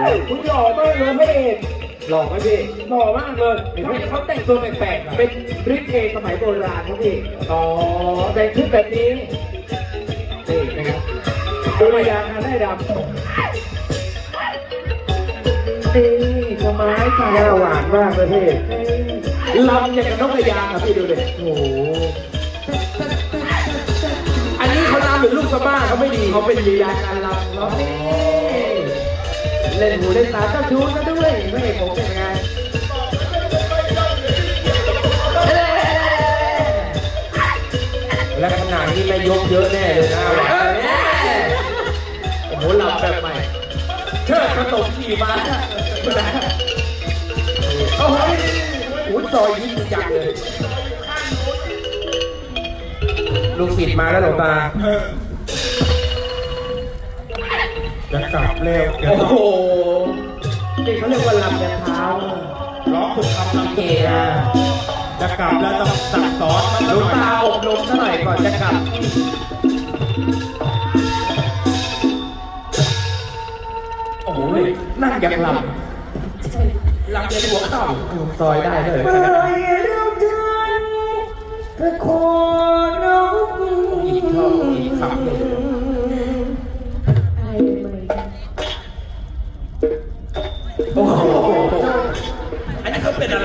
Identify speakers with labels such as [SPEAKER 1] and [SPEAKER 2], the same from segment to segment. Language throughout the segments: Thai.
[SPEAKER 1] คุณหล่อมากเลยพระเอก
[SPEAKER 2] หล่อไหมพี่
[SPEAKER 1] หล่อมากเลยทำไมเขาแต่งตัวแปลกๆ
[SPEAKER 2] เป็นริเกสมัยโบราณครับพี่
[SPEAKER 1] อ๋อแต่งชุดแบบนี้
[SPEAKER 2] นี่นะครับ
[SPEAKER 1] ตัวยางได้ดำนี่ทำไมค่ะ
[SPEAKER 2] หน้าหวานมากเลยพี่ลำอย่างกับนกกระยางอ่ะพี่ดูดิโอ้โห
[SPEAKER 1] อันนี้เขาลำหรือลูกสะบ้าเขาไม่ดี
[SPEAKER 2] เขาเป็นลีลาการลำเนาะนี่เล่นหูเล่นตาเจ้าชู้ซะด้วยไม่เห็นผมเป็นไง
[SPEAKER 1] และขนาดนี้แม่ยกเยอะแน่เลยนะโอ้โหลำแบบใหม่เชิดผสมขี่ม้าโอ้โหหูซอยยิ้มจังเลยลูกศิษย์มาแล้วหลวงตา
[SPEAKER 3] จะกลับเร็ว
[SPEAKER 1] โอ้โห
[SPEAKER 2] นี่เขาเรียกว่าลำยันเท้า
[SPEAKER 3] ร้องถูกคำลำ
[SPEAKER 1] เก๋อะ
[SPEAKER 3] จะกลับแล้วต้องสั่งสอนมัน
[SPEAKER 1] หลวงตาอบรมซะหน่อยก่อนจะกลับโอ้โหนั่งอย่างลำลำในหัวเข่า
[SPEAKER 2] ซอยได้เลย
[SPEAKER 4] เมื่อเราเดินตะโกนร้อง
[SPEAKER 1] อีกท่ออีกคำหนึ่ง โอ้โห อันนี้เขาเป็นอะไร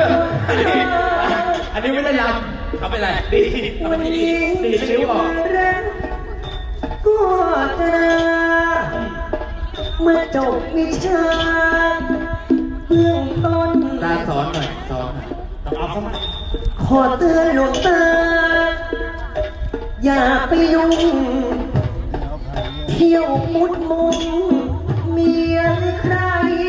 [SPEAKER 1] อันนี้ไม่ได้ลำเขาเป็นอะไร ดี
[SPEAKER 4] วันนี้
[SPEAKER 1] ดีชิ้วออก
[SPEAKER 4] รักก็จะเมื่อจบวิชาเบื้องต้น
[SPEAKER 1] ตาสอนหน่อยสอนหน่อยต้องเอาเข้ามา
[SPEAKER 4] ขอเตือนหลวงตา อย่าไปยุ่งเที่ยวมุดมุมเมียใคร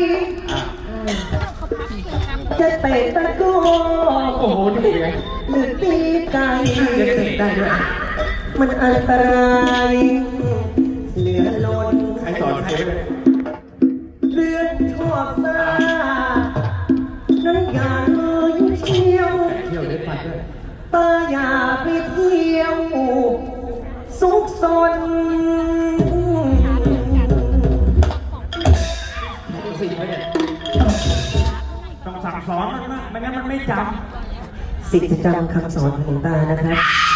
[SPEAKER 4] จะเตะตะโก
[SPEAKER 1] โอ้โหนี่เป็นไง
[SPEAKER 4] หรือตีไก่
[SPEAKER 1] เล่นเตะได้ด้วย
[SPEAKER 4] มันอันตรายเหลือล้น
[SPEAKER 1] ใครสอนใครไปเลย
[SPEAKER 4] เรื่องชอบซ่านั้นอย่าเลยเที่ยว
[SPEAKER 1] เที่ยวเล่นไฟด้วย
[SPEAKER 4] ตาอย่าไปเที่ยวซุกซน
[SPEAKER 1] สิ่งไหมเนี่ย
[SPEAKER 3] ต้องสั่งสอนมันนะไม่งั้นมันไม่จ
[SPEAKER 4] สิทธิจำคำสอนของหลวงตานะครับ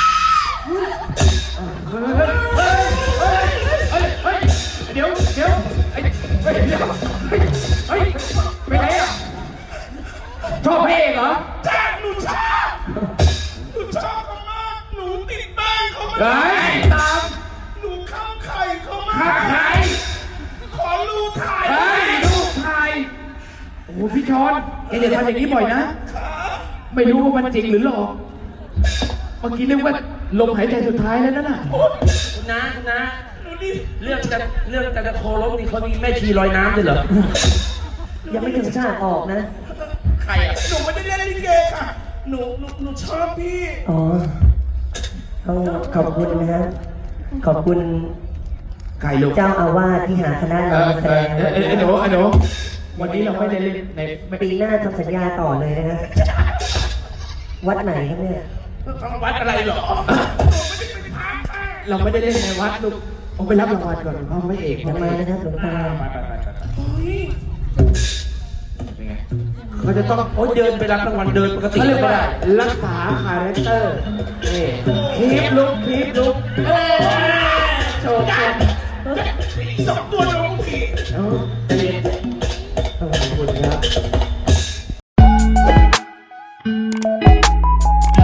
[SPEAKER 1] เดี๋ยวไอ้เดี๋ยวไปไหนอ่ะชอบเพลงเหรอ
[SPEAKER 3] ำจ้าหนูชอบเขามากหนูติดบ้านเขามาก
[SPEAKER 1] เฮ้ยตาม
[SPEAKER 3] หนูเข้าไข่เขามา
[SPEAKER 1] ขับ
[SPEAKER 3] ก
[SPEAKER 1] ไทย
[SPEAKER 3] ขอรูถ่าย
[SPEAKER 1] เฮ้ยลูกไทยโอ้โหพี่ชอนแกอย่าทำอย่างนี้บ่อยนะ ไม่รู้ว่ามันจริงหรือหลอกเมื่อกี้เรียกว่าลมหายใจสุดท้ายแล้วนั่นน่ะ
[SPEAKER 5] นะ
[SPEAKER 3] หนูนี่
[SPEAKER 5] เรื่องจะโคลบนี่เขามีแม่ชีลอยน้ำด้วยเหรอ
[SPEAKER 4] ยังไม่ถึงชาติออกนะ
[SPEAKER 5] ใครอ่ะ
[SPEAKER 3] หนูไม่ได้เล่นลิเกค่ะหนูชอบพี่
[SPEAKER 4] อ๋อต้องขอบคุณนะครับขอบคุณ
[SPEAKER 1] ใครลูก
[SPEAKER 4] เจ้าอาวาสที่หาคณะเรามาแสดง
[SPEAKER 1] ไอ้หนูวันนี้เราไม่ได้เล่นในไม่
[SPEAKER 4] ปีหน้าทำสัญญาต่อเลยนะครับวัดไหนครับเนี่ย
[SPEAKER 5] วัดอะไรเหรอ
[SPEAKER 1] เราไม่ได้เล่นในวัดลูกเอาไปรับรางวัลก่อนพ่อพระเอก
[SPEAKER 4] อย่ามานะครับหลวงตา
[SPEAKER 1] เป็นไง
[SPEAKER 5] เขาจะต้องโอ๊ยเดินไปรับรางวัลเดินปกติ
[SPEAKER 1] เขาเรียก
[SPEAKER 5] ไม่
[SPEAKER 1] ว่า
[SPEAKER 5] ได้
[SPEAKER 1] รักษาคาแรคเตอร์นี่คีปลุกโชว์
[SPEAKER 3] สองตัวน้องผี
[SPEAKER 1] เอาใจเย็นขอบคุณครับ